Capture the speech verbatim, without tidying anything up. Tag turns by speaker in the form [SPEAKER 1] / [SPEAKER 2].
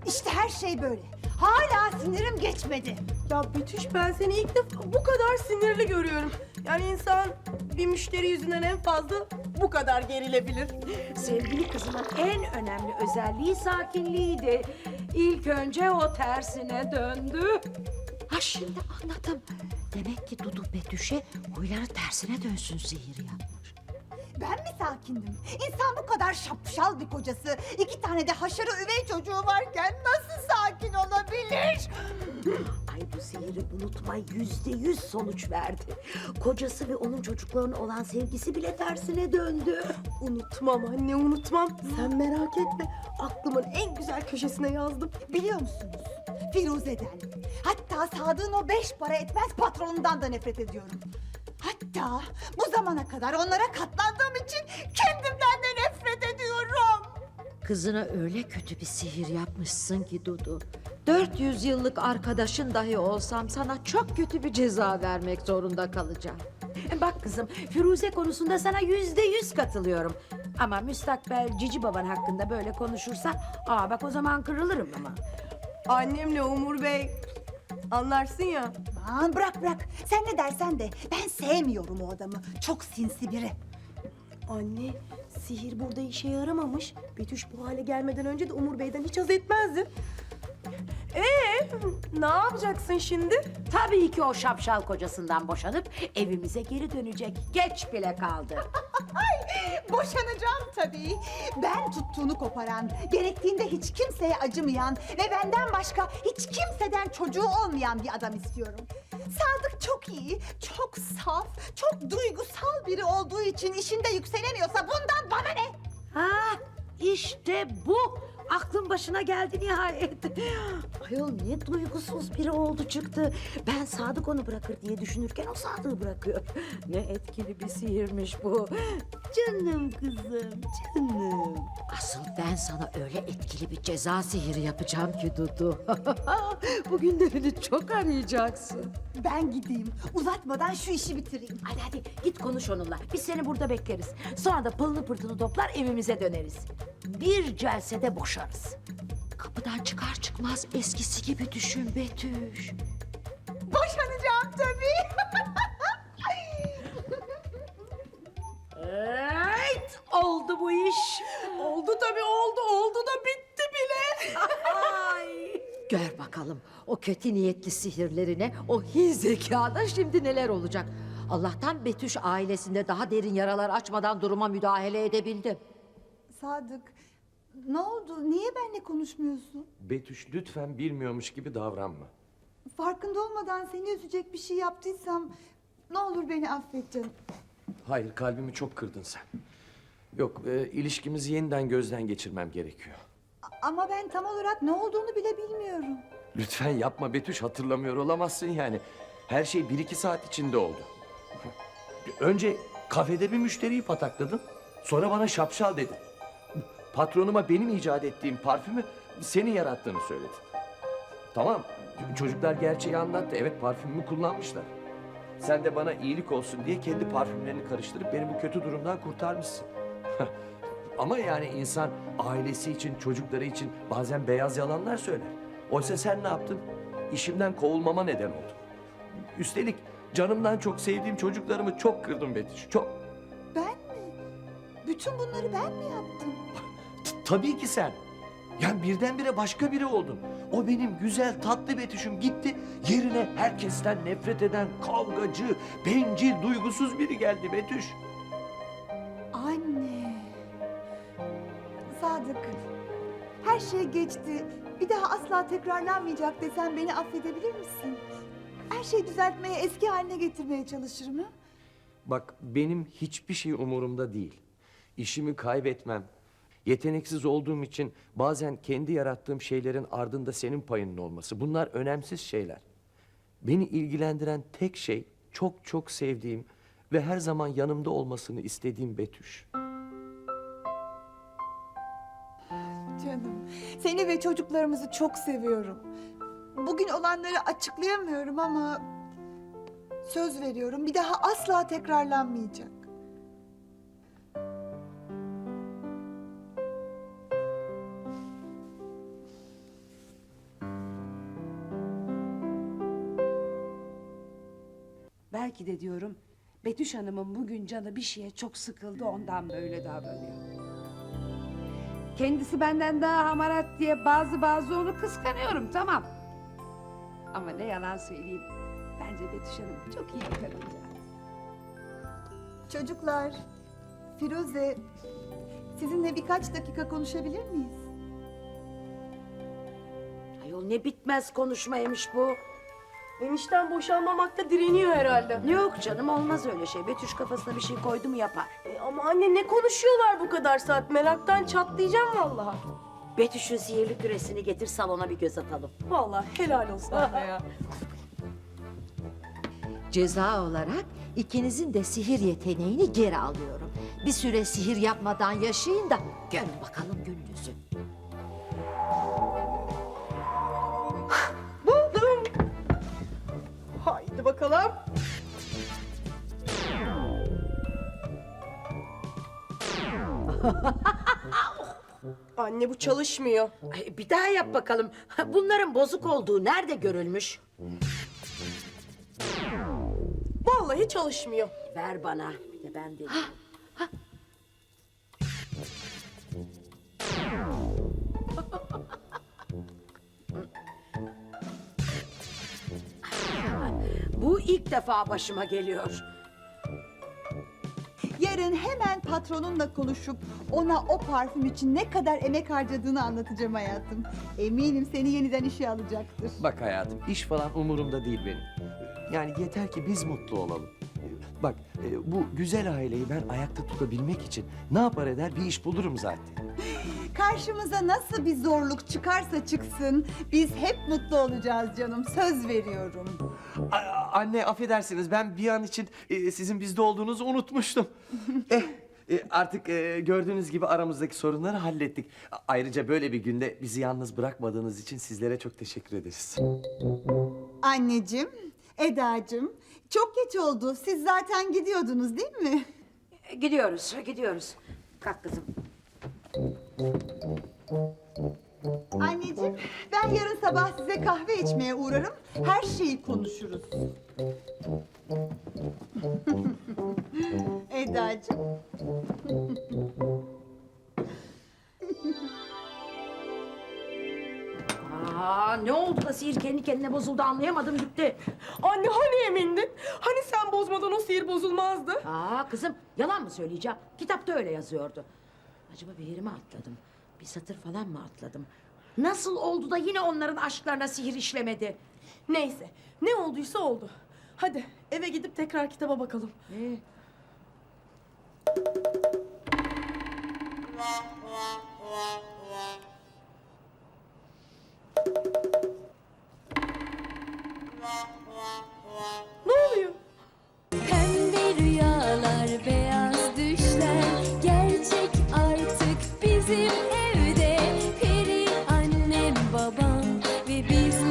[SPEAKER 1] İşte her şey böyle. Hala sinirim geçmedi.
[SPEAKER 2] Ya Betüş, ben seni ilk defa bu kadar sinirli görüyorum. Yani insan bir müşteri yüzünden en fazla bu kadar gerilebilir.
[SPEAKER 3] Sevgili kızımın en önemli özelliği sakinliğiydi. İlk önce o tersine döndü.
[SPEAKER 4] Ha şimdi anladım. Demek ki Dudu Betüş'e huyları tersine dönsün sihir yapmış.
[SPEAKER 1] Ben mi sakindim? İnsan bu kadar şapşal bir kocası, iki tane de haşarı üvey çocuğu varken nasıl sakin olabilir?
[SPEAKER 4] Ay bu sihiri unutma yüzde yüz sonuç verdi. Kocası ve onun çocuklarına olan sevgisi bile tersine döndü.
[SPEAKER 2] Unutmam anne, unutmam. Sen merak etme. Aklımın en güzel köşesine yazdım.
[SPEAKER 1] Biliyor musunuz? Firuze'den, hatta Sadık'ın o beş para etmez patronundan da nefret ediyorum. Hatta bu zamana kadar onlara katlandığım için kendimden de nefret ediyorum.
[SPEAKER 4] Kızına öyle kötü bir sihir yapmışsın ki Dudu. dört yüz yıllık arkadaşın dahi olsam sana çok kötü bir ceza vermek zorunda kalacağım.
[SPEAKER 3] Bak kızım, Firuze konusunda sana yüzde yüz katılıyorum. Ama müstakbel cici baban hakkında böyle konuşursan, aa bak o zaman kırılırım ama.
[SPEAKER 2] Annemle Umur Bey, anlarsın ya.
[SPEAKER 1] Aman bırak bırak. Sen ne dersen de ben sevmiyorum o adamı. Çok sinsi biri.
[SPEAKER 2] Anne, sihir burada işe yaramamış. Betüş bu hale gelmeden önce de Umur Bey'den hiç haz etmezdi. Ee, ne yapacaksın şimdi?
[SPEAKER 3] Tabii ki o şapşal kocasından boşanıp evimize geri dönecek. Geç bile kaldı.
[SPEAKER 1] Boşanacağım tabii. Ben tuttuğunu koparan, gerektiğinde hiç kimseye acımayan ve benden başka hiç kimseden çocuğu olmayan bir adam istiyorum. Sadık çok iyi, çok saf, çok duygusal biri olduğu için işinde yükselemiyorsa bundan bana ne?
[SPEAKER 3] Ha, işte bu. Aklın başına geldi nihayet.
[SPEAKER 4] Ayol ne duygusuz biri oldu çıktı. Ben Sadık onu bırakır diye düşünürken o Sadık'ı bırakıyor. Ne etkili bir sihirmiş bu. Canım kızım, canım. Asıl ben sana öyle etkili bir ceza sihiri yapacağım ki Dudu. Bugünlerini çok arayacaksın.
[SPEAKER 1] Ben gideyim, uzatmadan şu işi bitireyim.
[SPEAKER 3] Hadi hadi git konuş onunla. Biz seni burada bekleriz. Sonra da pılını pırtını toplar evimize döneriz. Bir celsede boşarız.
[SPEAKER 4] Kapıdan çıkar çıkmaz eskisi gibi düşün Betüş.
[SPEAKER 1] Boşanacağım tabii.
[SPEAKER 3] Evet, oldu bu iş.
[SPEAKER 2] Oldu tabii, oldu. Oldu da bitti bile.
[SPEAKER 3] Ay.
[SPEAKER 4] Gör bakalım o kötü niyetli sihirlerine, o hin zekada şimdi neler olacak. Allah'tan Betüş ailesinde daha derin yaralar açmadan duruma müdahale edebildi.
[SPEAKER 1] Sadık, ne oldu? Niye benimle konuşmuyorsun?
[SPEAKER 5] Betüş lütfen bilmiyormuş gibi davranma.
[SPEAKER 1] Farkında olmadan seni üzecek bir şey yaptıysam ne olur beni affet canım.
[SPEAKER 5] Hayır, kalbimi çok kırdın sen. Yok, e, ilişkimizi yeniden gözden geçirmem gerekiyor.
[SPEAKER 1] A- Ama ben tam olarak ne olduğunu bile bilmiyorum.
[SPEAKER 5] Lütfen yapma Betüş, hatırlamıyor olamazsın yani. Her şey bir iki saat içinde oldu. Önce kafede bir müşteriyi patakladın. Sonra bana şapşal dedin. Patronuma benim icat ettiğim parfümü senin yarattığını söyledin. Tamam, çocuklar gerçeği anlattı. Evet, parfümümü kullanmışlar. Sen de bana iyilik olsun diye kendi parfümlerini karıştırıp beni bu kötü durumdan kurtarmışsın. Ama yani insan ailesi için, çocukları için bazen beyaz yalanlar söyler. Oysa sen ne yaptın? İşimden kovulmama neden oldun. Üstelik canımdan çok sevdiğim çocuklarımı çok kırdım Betüş, çok.
[SPEAKER 1] Ben mi? Bütün bunları ben mi yaptım?
[SPEAKER 5] T- Tabii ki sen. Yani birdenbire başka biri oldun. O benim güzel, tatlı Betüş'üm gitti. Yerine herkesten nefret eden, kavgacı, bencil, duygusuz biri geldi Betüş.
[SPEAKER 1] Anne. Sadık, her şey geçti. Bir daha asla tekrarlanmayacak desen beni affedebilir misin? Her şeyi düzeltmeye, eski haline getirmeye çalışırım ha?
[SPEAKER 5] Bak, benim hiçbir şey umurumda değil. İşimi kaybetmem. Yeteneksiz olduğum için bazen kendi yarattığım şeylerin ardında senin payının olması. Bunlar önemsiz şeyler. Beni ilgilendiren tek şey çok çok sevdiğim ve her zaman yanımda olmasını istediğim Betüş.
[SPEAKER 1] Canım, seni ve çocuklarımızı çok seviyorum. Bugün olanları açıklayamıyorum ama söz veriyorum bir daha asla tekrarlanmayacak.
[SPEAKER 6] belki de diyorum Betüş Hanım'ın bugün canı bir şeye çok sıkıldı ondan böyle davranıyor. Kendisi benden daha hamarat diye bazı bazı onu kıskanıyorum tamam. Ama ne yalan söyleyeyim bence Betüş Hanım çok iyi bir kadıncağız.
[SPEAKER 1] Çocuklar, Firuze, sizinle birkaç dakika konuşabilir miyiz?
[SPEAKER 3] Ayol ne bitmez konuşmaymış bu.
[SPEAKER 2] Enişten boşanmamakta direniyor herhalde.
[SPEAKER 3] Yok canım olmaz öyle şey. Betüş kafasına bir şey koydu mu yapar.
[SPEAKER 2] E, ama anne ne konuşuyorlar bu kadar saat? Meraktan çatlayacağım vallahi.
[SPEAKER 3] Betüş'ün sihirli küresini getir salona bir göz atalım.
[SPEAKER 2] Vallahi helal olsun anne ya.
[SPEAKER 4] Ceza olarak ikinizin de sihir yeteneğini geri alıyorum. Bir süre sihir yapmadan yaşayın da görün bakalım gününüzü.
[SPEAKER 2] Buldum. Haydi bakalım. Anne bu çalışmıyor.
[SPEAKER 3] Ay, bir daha yap bakalım. Bunların bozuk olduğu nerede görülmüş?
[SPEAKER 2] Vallahi çalışmıyor.
[SPEAKER 3] Ver bana. Bir de ben deneyeyim. Bu ilk defa başıma geliyor.
[SPEAKER 1] Yarın hemen patronunla konuşup ona o parfüm için ne kadar emek harcadığını anlatacağım hayatım. Eminim seni yeniden işe alacaktır.
[SPEAKER 5] Bak hayatım, iş falan umurumda değil benim. Yani yeter ki biz mutlu olalım. Bak, e, bu güzel aileyi ben ayakta tutabilmek için ne yapar eder bir iş bulurum zaten.
[SPEAKER 1] Karşımıza nasıl bir zorluk çıkarsa çıksın biz hep mutlu olacağız canım. Söz veriyorum.
[SPEAKER 5] A- anne affedersiniz, ben bir an için e, sizin bizde olduğunuzu unutmuştum. eh, e, artık e, gördüğünüz gibi aramızdaki sorunları hallettik. A- Ayrıca böyle bir günde bizi yalnız bırakmadığınız için sizlere çok teşekkür ederiz.
[SPEAKER 1] Anneciğim, Edacığım çok geç oldu. Siz zaten gidiyordunuz değil mi?
[SPEAKER 3] Gidiyoruz, gidiyoruz. Kalk kızım.
[SPEAKER 1] Anneciğim, ben yarın sabah size kahve içmeye uğrarım. Her şeyi konuşuruz. Edacığım.
[SPEAKER 3] Aa, ne oldu da sihir kendi kendine bozuldu anlayamadım gitti.
[SPEAKER 2] Anne hani emindin? Hani sen bozmadan o sihir bozulmazdı?
[SPEAKER 3] Aa kızım yalan mı söyleyeceğim? Kitapta öyle yazıyordu. Acaba bir yeri mi atladım? Bir satır falan mı atladım? Nasıl oldu da yine onların aşklarına sihir işlemedi?
[SPEAKER 2] Neyse ne olduysa oldu. Hadi eve gidip tekrar kitaba bakalım.
[SPEAKER 3] Ee,
[SPEAKER 2] Ne oluyor?
[SPEAKER 7] Pembe rüyalar, beyaz düşler gerçek artık bizim evde. Peri annem, babam ve bizler